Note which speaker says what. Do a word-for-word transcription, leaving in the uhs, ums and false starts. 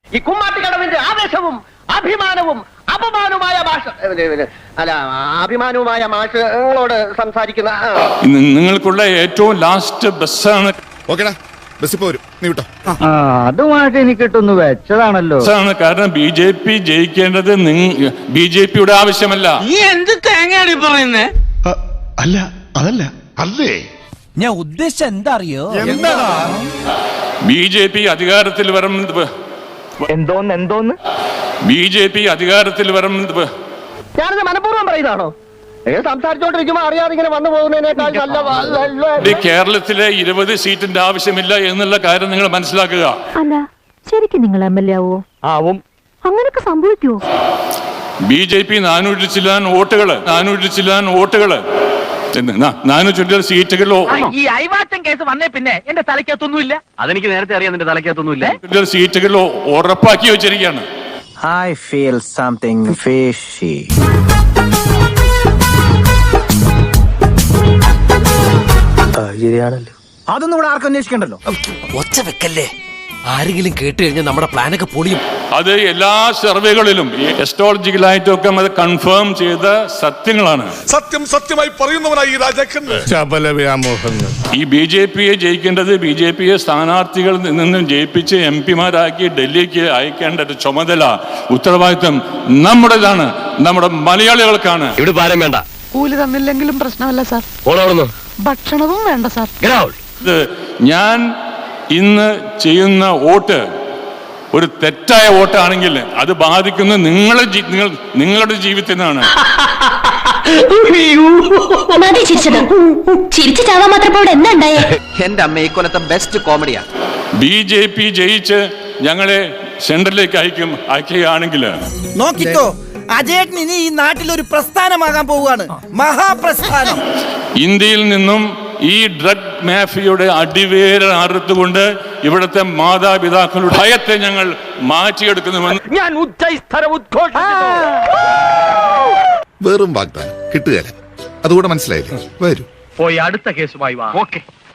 Speaker 1: ഈ കുമ്മാട്ടിക്കടവിന്റെ ആവേശവും അഭിമാനവും അപമാനവുമായ ഭാഷ അല്ല അഭിമാനവുമായ ഭാഷകളോട് സംസാരിക്കുന്ന
Speaker 2: നിങ്ങൾക്കുള്ള ഏറ്റവും ലാസ്റ്റ് ബസ്സാണ്.
Speaker 3: ഓക്കേടാ, ബസ്സിൽ പോരും, നീ വിട്ടോ.
Speaker 4: അതുമായിട്ട് എനിക്ക് കിട്ടുന്നു വെച്ചതാണല്ലോ.
Speaker 2: കാരണം ബി ജെ പി ജയിക്കേണ്ടത് ബി ജെ പിയുടെ ആവശ്യമല്ല.
Speaker 5: നീ എന്ത് തേങ്ങയാണ് പറയുന്നേ?
Speaker 3: അല്ല അതല്ല അല്ലേ
Speaker 6: ഞാൻ ഉദ്ദേശിച്ച എന്താ അറിയോ?
Speaker 2: ബി ജെ പി അധികാരത്തിൽ വരും.
Speaker 4: എന്തോന്ന് എന്തോന്ന്
Speaker 2: ബി ജെ പി അധികാരത്തിൽ വരും.
Speaker 1: ഞാനത് മനഃപൂർവ്വം പറയുന്നതാണോ? സംസാരിച്ചോണ്ടിരിക്കുമ്പോ അറിയാതെ ഇങ്ങനെ വന്നു പോകുന്നതിനേക്കാൾ നല്ല
Speaker 2: കേരളത്തിലെ ഇരുപത് സീറ്റിന്റെ ആവശ്യമില്ല എന്നുള്ള കാര്യം നിങ്ങൾ മനസ്സിലാക്കുക.
Speaker 7: അല്ല ശരിക്കും നിങ്ങൾ എം എൽ എ ആവോ?
Speaker 4: ആവും.
Speaker 7: അങ്ങനൊക്കെ സംഭവിക്കുവോ?
Speaker 2: ബി ജെ പി നാനൂറ്റി ചില്ലാൻ വോട്ടുകള് നാനൂറ്റി ചില്ലാൻ വോട്ടുകള് നാനൂറ്റി സീറ്റുകളോ.
Speaker 5: ഈ അയവാറ്റം കേസ് വന്നേ പിന്നെ എന്റെ തലയ്ക്കകത്തൊന്നുമില്ല. അതെനിക്ക് നേരത്തെ അറിയാം, നിന്റെ തലയ്ക്കകത്തൊന്നുമില്ല.
Speaker 2: സീറ്റുകളോ ഉറപ്പാക്കി വെച്ചിരിക്കുകയാണ്.
Speaker 6: I feel something fishy. അതൊന്നും ഇവിടെ ആർക്കും അന്വേഷിക്കണ്ടല്ലോ.
Speaker 8: ഒച്ച വെക്കല്ലേ, ആരെങ്കിലും കേട്ട് കഴിഞ്ഞാൽ നമ്മുടെ പ്ലാനൊക്കെ പൊളിയും.
Speaker 2: അത് എല്ലാ സർവേകളിലും എസ്ട്രോളജിക്കലായിട്ടൊക്കെ അത് കൺഫേം ചെയ്ത സത്യങ്ങളാണ്.
Speaker 3: സത്യം സത്യമായി പറയുന്നവനായി രാജാക്കൻ.
Speaker 2: ഈ ബി ജെ പിയെ ജയിക്കേണ്ടത് ബി ജെ പിയെ സ്ഥാനാർത്ഥികളിൽ നിന്നും ജയിപ്പിച്ച് എം പിമാരാക്കി ഡൽഹിക്ക് അയക്കേണ്ട ചുമതല ഉത്തരവാദിത്വം നമ്മുടേതാണ്, നമ്മുടെ മലയാളികൾക്കാണ്.
Speaker 8: ഇവിടെ ഭാരം വേണ്ട.
Speaker 9: കൂലി തന്നില്ലെങ്കിലും പ്രശ്നമല്ല സാർ. ഭക്ഷണവും വേണ്ട സാർ.
Speaker 2: ഞാൻ ഇന്ന് ചെയ്യുന്ന വോട്ട് ഒരു തെറ്റായ വോട്ടാണെങ്കിൽ അത് ബാധിക്കുന്നത് നിങ്ങളെ നിങ്ങൾ നിങ്ങളുടെ ജീവിതത്തിനാണ്.
Speaker 1: എന്റെ അമ്മ ഈ കൊല്ലത്തെ ബെസ്റ്റ് കോമഡിയാ.
Speaker 2: ബി ജെ പി ജയിച്ച് ഞങ്ങളെ സെൻട്രലിലേക്ക് അയക്കും അയക്കുകയാണെങ്കിൽ
Speaker 6: നോക്കിക്കോ, അജേട്ടൻ ഇനി ഈ നാട്ടിൽ ഒരു പ്രസ്ഥാനമാകാൻ പോവുകയാണ്, മഹാപ്രസ്ഥാനം. ഇന്ത്യയിൽ
Speaker 2: നിന്നും ഈ ഡ്രഗ് മാഫിയയുടെ അടിവേര അറുത്തുകൊണ്ട് ഇവിടുത്തെ മാതാപിതാക്കളുടെ ഭയത്തെ ഞങ്ങൾ മാറ്റിയെടുക്കുന്നുവെന്ന്
Speaker 5: ഞാൻ ഉച്ചസ്ഥരം ഉദ്ഘോഷിക്കുന്നു.
Speaker 3: വെറും വാഗ്ദാനം കിട്ടുകയല്ല, അതുകൂടെ മനസ്സിലായില്ലേ? വരൂ,
Speaker 5: പോയി അടുത്ത കേസുമായി വാ. ഓക്കെ.